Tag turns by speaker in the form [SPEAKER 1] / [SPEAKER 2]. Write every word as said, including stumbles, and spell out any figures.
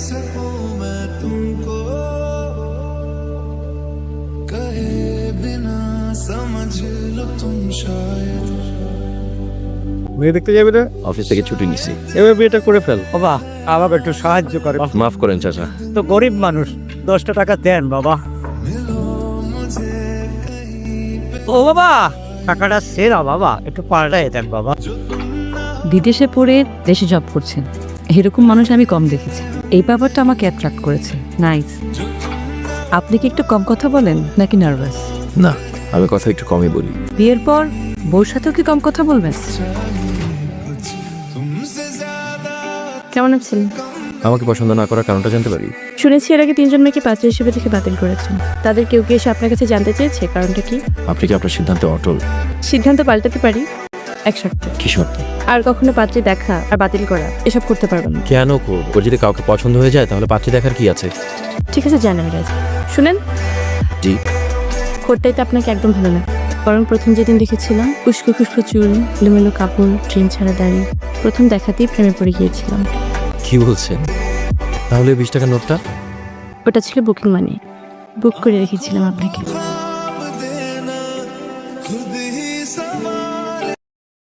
[SPEAKER 1] सकूं मैं तुमको कहे बिना समझ लो तुम शायद।
[SPEAKER 2] মেয়ে দেখতে যাবি না?
[SPEAKER 3] অফিস থেকে ছুটি নিছি।
[SPEAKER 2] এবার বিয়েটা করে ফেল বাবা, আমাকে একটু সাহায্য করে।
[SPEAKER 3] মাফ করেন চাচা।
[SPEAKER 2] তো গরিব মানুষ, দশটা টাকা দেন বাবা। ও বাবা, টাকাটা সেরা বাবা, একটু পাল্টাই দেন বাবা।
[SPEAKER 4] বিদেশে পড়ে দেশে জব করছেন, এরকম মানুষ আমি কম দেখেছি। এই ব্যাপারটা আমাকে অ্যাট্রাক্ট করেছে। নাইস। আপনি কি একটু কম কথা বলেন নাকি নার্ভাস?
[SPEAKER 3] না, আমি কথা একটু কমই বলি।
[SPEAKER 4] বিয়ের পর বউর সাথেও কি কম কথা বলবেন?
[SPEAKER 5] কেমন আছেন?
[SPEAKER 3] আমাকে পছন্দ না করার কারণটা জানতে পারি?
[SPEAKER 5] শুনেছি এর আগে তিনজন মেয়েকে পাত্র হিসেবে দেখে বাতিল করেছেন। তাদের কেউ কি এসে আপনার কাছে জানতে চেয়েছে কারণটা কি?
[SPEAKER 3] আপনি কি আপনার সিদ্ধান্তে অটল?
[SPEAKER 5] সিদ্ধান্ত পাল্টাতে পারি এক শর্তে।
[SPEAKER 3] কি শর্ত?
[SPEAKER 5] আর কখনো পাত্রী দেখা আর বাতিল করা এসব করতে পারবেন না।
[SPEAKER 3] কেন করব? ওর যদি কাউকে পছন্দ হয়ে যায় তাহলে পাত্রী দেখার কি আছে?
[SPEAKER 5] ঠিক আছে, জানেন রাজ। শুনেন,
[SPEAKER 3] জি।
[SPEAKER 5] কোটটাই তো আপনাকে একদম ভালো লাগে। বরং প্রথম যেদিন দেখেছিলাম, উস্কো খুস্কো চুল, এলোমেলো কাপড়, ট্রেন ছাড়া দাড়ি, প্রথম দেখাতেই প্রেমে পড়ে গিয়েছিলাম।
[SPEAKER 3] কি বলছেন? তাহলে বিশ টাকার নোটটা?
[SPEAKER 5] ওটা ছিল বুকিং মানি, বুক করে রেখেছিলাম আপনাকে।